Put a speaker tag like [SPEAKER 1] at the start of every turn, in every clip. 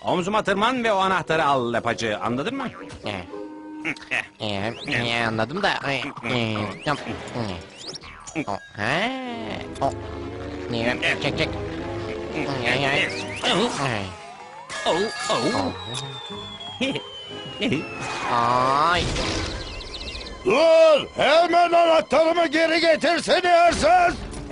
[SPEAKER 1] Omzuma tırman ve o anahtarı al lapacı. Anladın mı?
[SPEAKER 2] Anladım da. Çek çek. Ay.
[SPEAKER 3] Dur! Hemen anahtarımı geri getirsene hırsız!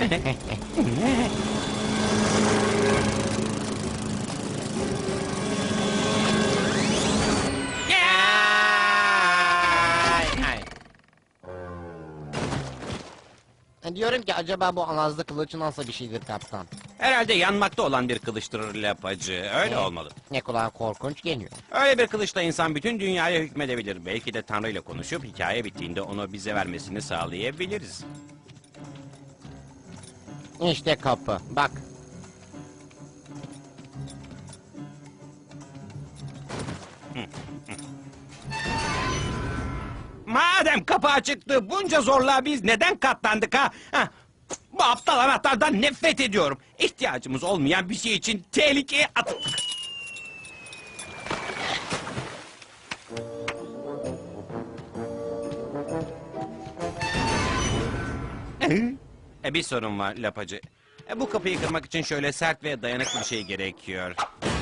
[SPEAKER 2] Diyorum ki acaba bu alazlı kılıç nasıl bir şeydir kaptan?
[SPEAKER 1] Herhalde yanmakta olan bir kılıçtır lapacı. Öyle olmalı.
[SPEAKER 2] Ne kulağa korkunç geliyor.
[SPEAKER 1] Öyle bir kılıçla insan bütün dünyaya hükmedebilir. Belki de Tanrı ile konuşup hikaye bittiğinde onu bize vermesini sağlayabiliriz.
[SPEAKER 2] İşte kapı. Bak.
[SPEAKER 1] Madem kapı açıktı, bunca zorluğa biz neden katlandık ha? Bu aptal anahtardan nefret ediyorum. İhtiyacımız olmayan bir şey için tehlikeye atıldık. Bir sorun var lapacı. Bu kapıyı kırmak için şöyle sert ve dayanıklı bir şey gerekiyor.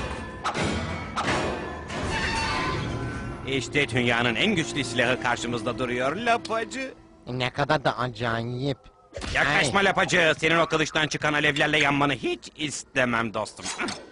[SPEAKER 1] İşte dünyanın en güçlü silahı karşımızda duruyor lapacı.
[SPEAKER 2] Ne kadar da acayip.
[SPEAKER 1] Yaklaşma lapacı. Senin o kılıçtan çıkan alevlerle yanmanı hiç istemem dostum.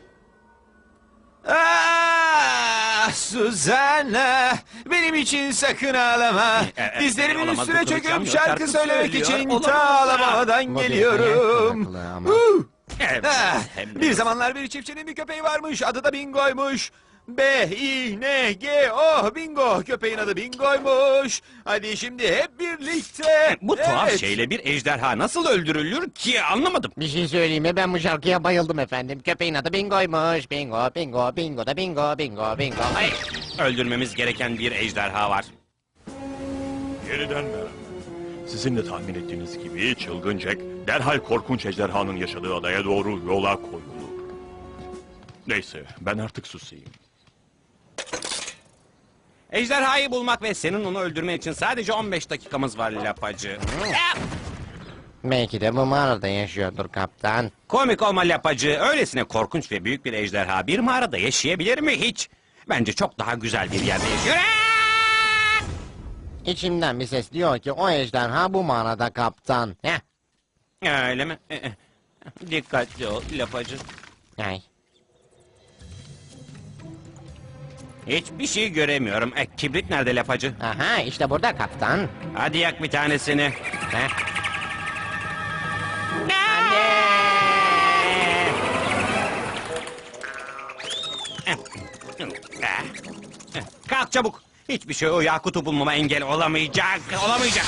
[SPEAKER 4] Suzanna, benim için sakın ağlama. Dizlerimin
[SPEAKER 1] olamaz,
[SPEAKER 4] üstüne
[SPEAKER 1] bu kılıç
[SPEAKER 4] çöküp
[SPEAKER 1] yanmıyor,
[SPEAKER 4] şarkı söylemek
[SPEAKER 1] söylüyor.
[SPEAKER 4] için
[SPEAKER 1] Olamaz.
[SPEAKER 4] ta Alabama'dan
[SPEAKER 2] Bu bir
[SPEAKER 4] geliyorum.
[SPEAKER 2] hayal kırıklığı ama.
[SPEAKER 1] Evet, hem de-
[SPEAKER 4] Bir zamanlar bir çiftçinin bir köpeği varmış, adı da Bingo'ymuş. B-I-N-G-O, Bingo. Köpeğin adı Bingo'ymuş. Hadi şimdi hep birlikte.
[SPEAKER 1] Bu tuhaf
[SPEAKER 4] Evet.
[SPEAKER 1] şeyle bir ejderha nasıl öldürülür ki anlamadım.
[SPEAKER 2] Bir şey söyleyeyim mi? Ben bu şarkıya bayıldım efendim. Köpeğin adı Bingo'ymuş. Bingo, bingo, bingo da bingo, bingo, bingo. Ay.
[SPEAKER 1] Öldürmemiz gereken bir ejderha var.
[SPEAKER 3] Yeniden merhaba. Sizin de tahmin ettiğiniz gibi çılgın Jack derhal korkunç ejderhanın yaşadığı adaya doğru yola koyuldu. Neyse ben artık susayım.
[SPEAKER 1] Ejderhayı bulmak ve senin onu öldürmen için sadece 15 dakikamız var lapacı.
[SPEAKER 2] Belki de bu mağarada yaşıyordur kaptan.
[SPEAKER 1] Komik olma lapacı. Öylesine korkunç ve büyük bir ejderha bir mağarada yaşayabilir mi hiç? Bence çok daha güzel bir yerde yaşıyor.
[SPEAKER 2] İçimden bir ses diyor ki o ejderha bu mağarada kaptan. Heh.
[SPEAKER 1] Öyle mi? Dikkatli ol lapacı.
[SPEAKER 2] Ay.
[SPEAKER 1] Hiçbir şey göremiyorum. Kibrit nerede lapacı?
[SPEAKER 2] Aha işte burada kaptan.
[SPEAKER 1] Hadi yak bir tanesini.
[SPEAKER 2] Heh.
[SPEAKER 1] Kalk çabuk. Hiçbir şey o Yakut'u bulmama engel olamayacak. Olamayacak.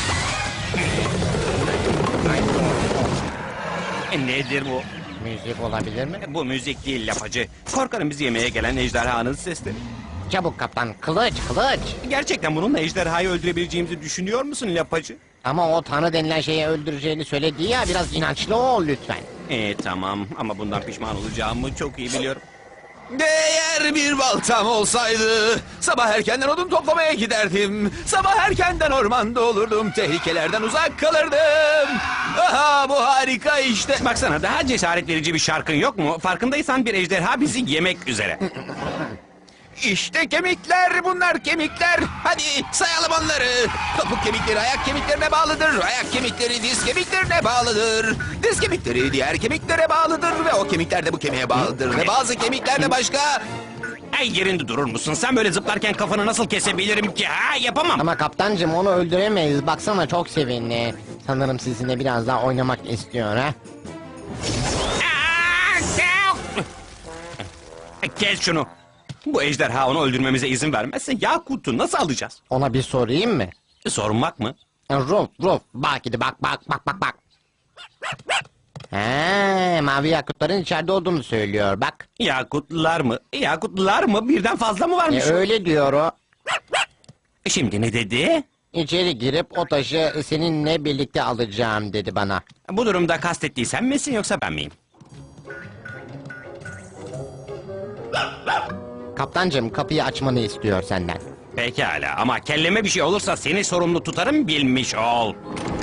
[SPEAKER 1] Nedir bu?
[SPEAKER 2] Müzik olabilir mi?
[SPEAKER 1] Bu müzik değil lapacı. Korkarım bizi yemeye gelen ejderhanın sesleri.
[SPEAKER 2] Çabuk kaptan. Kılıç, kılıç.
[SPEAKER 1] Gerçekten bununla ejderhayı öldürebileceğimizi düşünüyor musun lapacı?
[SPEAKER 2] Ama o tanrı denilen şeyi öldüreceğini söyledi ya. Biraz inançlı ol lütfen.
[SPEAKER 1] Tamam ama bundan pişman olacağımı çok iyi biliyorum.
[SPEAKER 4] Eğer bir baltam olsaydı sabah erkenden odun toplamaya giderdim. Sabah erkenden ormanda olurdum. Tehlikelerden uzak kalırdım. Aha bu harika işte.
[SPEAKER 1] Baksana daha cesaret verici bir şarkın yok mu? Farkındaysan bir ejderha bizi yemek üzere.
[SPEAKER 4] İşte kemikler, bunlar kemikler. Hadi sayalım onları. Topuk kemikleri ayak kemiklerine bağlıdır. Ayak kemikleri diz kemiklerine bağlıdır. Diz kemikleri diğer kemiklere bağlıdır. Ve o kemikler de bu kemiğe bağlıdır. Ve bazı kemikler de başka...
[SPEAKER 1] Ay yerinde durur musun? Sen böyle zıplarken kafanı nasıl kesebilirim ki? Ha yapamam.
[SPEAKER 2] Ama kaptancım onu öldüremeyiz. Baksana çok sevinli. Sanırım sizinle biraz daha oynamak istiyor ha.
[SPEAKER 1] Kes şunu. Bu ejderha onu öldürmemize izin vermezse Yakut'u nasıl alacağız?
[SPEAKER 2] Ona bir sorayım mı?
[SPEAKER 1] Sormak mı?
[SPEAKER 2] Ruf ruf bak gidi bak bak bak bak bak. He, mavi yakutların içeride olduğunu söylüyor bak.
[SPEAKER 1] Yakutlar mı? Yakutlar mı? Birden fazla mı varmış?
[SPEAKER 2] Öyle diyor o.
[SPEAKER 1] Şimdi ne dedi?
[SPEAKER 2] İçeri girip o taşı seninle birlikte alacağım dedi bana.
[SPEAKER 1] Bu durumda kastettiği sen misin yoksa ben miyim?
[SPEAKER 2] Kaptancım kapıyı açmanı istiyor senden.
[SPEAKER 1] Pekala ama kelleme bir şey olursa seni sorumlu tutarım bilmiş ol.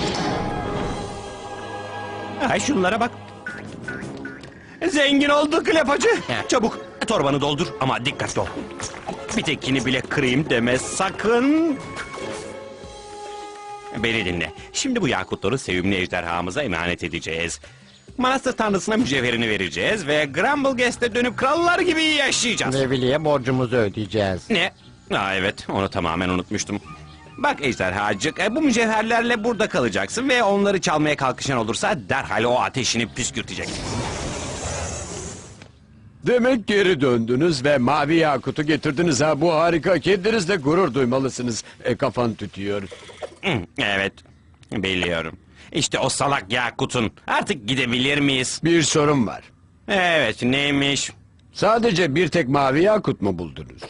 [SPEAKER 1] Ay şunlara bak. Zengin olduk lapacı. Çabuk torbanı doldur ama dikkatli ol. Bir tekini bile kırayım deme sakın. Beni dinle. Şimdi bu yakutları sevimli ejderhamıza emanet edeceğiz. Manastır tanrısına mücevherini vereceğiz ve Grumblegast'e dönüp krallar gibi yaşayacağız.
[SPEAKER 2] Ve Willy'e borcumuzu ödeyeceğiz.
[SPEAKER 1] Ne? Aa, evet onu tamamen unutmuştum. Bak ejderhacık bu mücevherlerle burada kalacaksın ve onları çalmaya kalkışan olursa derhal o ateşini püskürtecek.
[SPEAKER 5] Demek geri döndünüz ve mavi yakutu getirdiniz ha. Bu harika. Kendinizle gurur duymalısınız. Kafan tütüyor.
[SPEAKER 1] Evet biliyorum. İşte o salak yakutun. Artık gidebilir miyiz?
[SPEAKER 5] Bir sorun var.
[SPEAKER 1] Evet neymiş?
[SPEAKER 5] Sadece bir tek mavi yakut mu buldunuz?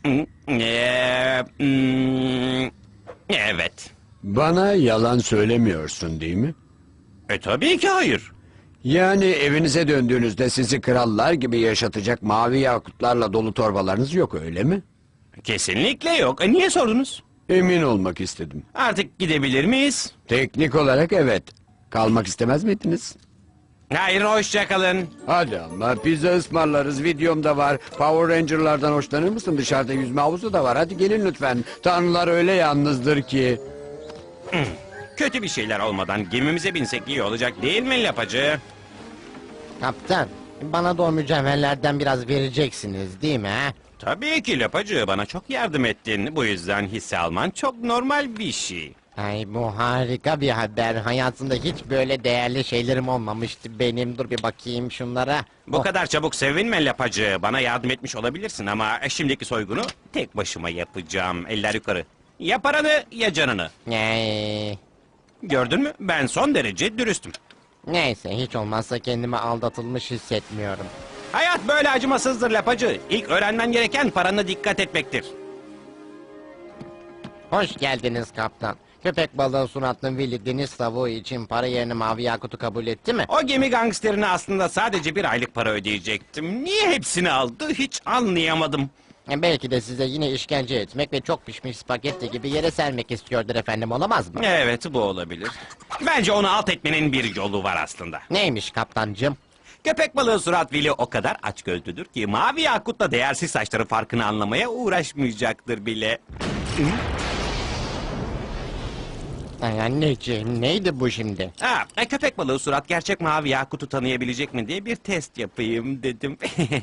[SPEAKER 1] Evet.
[SPEAKER 5] Bana yalan söylemiyorsun değil mi?
[SPEAKER 1] Tabii ki hayır.
[SPEAKER 5] Yani evinize döndüğünüzde sizi krallar gibi yaşatacak mavi yakutlarla dolu torbalarınız yok öyle mi?
[SPEAKER 1] Kesinlikle yok. Niye sordunuz?
[SPEAKER 5] Emin olmak istedim.
[SPEAKER 1] Artık gidebilir miyiz?
[SPEAKER 5] Teknik olarak evet. Kalmak istemez miydiniz?
[SPEAKER 1] Hayır hoşça kalın.
[SPEAKER 5] Hadi ama pizza ısmarlarız, videomda var. Power Ranger'lardan hoşlanır mısın? Dışarıda yüzme havuzu da var. Hadi gelin lütfen. Tanrılar öyle yalnızdır ki.
[SPEAKER 1] Kötü bir şeyler olmadan gemimize binsek iyi olacak değil mi lapacı?
[SPEAKER 2] Kaptan, bana da o mücevherlerden biraz vereceksiniz değil mi? Ha?
[SPEAKER 1] Tabii ki lapacı, bana çok yardım ettin. Bu yüzden hisse alman çok normal bir şey.
[SPEAKER 2] Ay bu harika bir haber. Hayatımda hiç böyle değerli şeylerim olmamıştı benim. Dur bir bakayım şunlara.
[SPEAKER 1] Bu
[SPEAKER 2] Oh,
[SPEAKER 1] kadar çabuk sevinme lapacı. Bana yardım etmiş olabilirsin ama şimdiki soygunu tek başıma yapacağım. Eller yukarı. Ya paranı ya canını. Gördün mü? Ben son derece dürüstüm.
[SPEAKER 2] Neyse hiç olmazsa kendimi aldatılmış hissetmiyorum.
[SPEAKER 1] Hayat böyle acımasızdır lapacı. İlk öğrenmen gereken parana dikkat etmektir.
[SPEAKER 2] Hoş geldiniz kaptan. Köpek balığı suratlı Willy deniz tavuğu için para yerine mavi yakutu kabul etti mi?
[SPEAKER 1] O gemi gangsterine aslında sadece bir aylık para ödeyecektim. Niye hepsini aldı hiç anlayamadım.
[SPEAKER 2] Belki de size yine işkence etmek ve çok pişmiş spagetti gibi yere sermek istiyordur efendim, olamaz mı?
[SPEAKER 1] Evet bu olabilir. Bence onu alt etmenin bir yolu var aslında.
[SPEAKER 2] Neymiş kaptancım?
[SPEAKER 1] Köpek balığı surat Willy o kadar açgözlüdür ki mavi yakutla değersiz saçları farkını anlamaya uğraşmayacaktır bile.
[SPEAKER 2] Ay anneciğim neydi bu şimdi?
[SPEAKER 1] Köpek balığı surat gerçek mavi yakutu tanıyabilecek mi diye bir test yapayım dedim.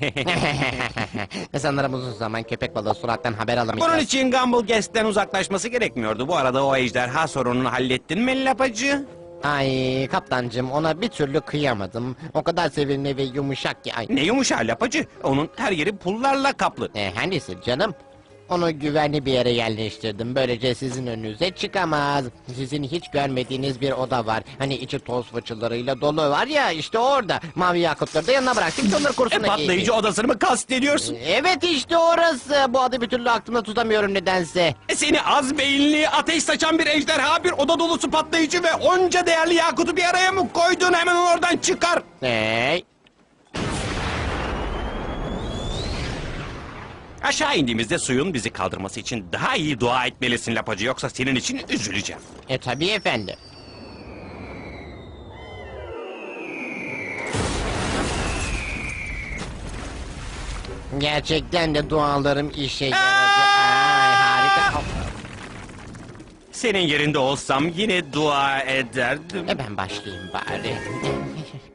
[SPEAKER 2] Sanırım uzun zaman köpek balığı surattan haber alamayacağız.
[SPEAKER 1] Bunun için Gumblegast'ten uzaklaşması gerekmiyordu. Bu arada o ejderha sorununu hallettin mi lapacı?
[SPEAKER 2] Ay kaptancım ona bir türlü kıyamadım. O kadar sevimli ve yumuşak ki. Ay.
[SPEAKER 1] Ne yumuşağı lapacı? Onun her yeri pullarla kaplı.
[SPEAKER 2] Hangisi canım? Onu güvenli bir yere yerleştirdim. Böylece sizin önünüze çıkamaz. Sizin hiç görmediğiniz bir oda var. Hani içi toz fıçılarıyla dolu var ya, işte orada. Mavi yakutları da yanına bıraktım ki onları kursuna
[SPEAKER 1] Patlayıcı odasını mı kastediyorsun?
[SPEAKER 2] Evet işte orası. Bu adı bir türlü aklımda tutamıyorum nedense.
[SPEAKER 1] Seni az beyinli, ateş saçan bir ejderha, bir oda dolusu patlayıcı ve onca değerli yakutu bir araya mı koydun? Hemen onu oradan çıkar.
[SPEAKER 2] Hey.
[SPEAKER 1] Aşağı indiğimizde suyun bizi kaldırması için daha iyi dua etmelisin lapacı. Yoksa senin için üzüleceğim.
[SPEAKER 2] Tabii efendim. Gerçekten de dualarım işe yaradı. Ay harika.
[SPEAKER 1] Senin yerinde olsam yine dua ederdim.
[SPEAKER 2] Ben başlayayım bari.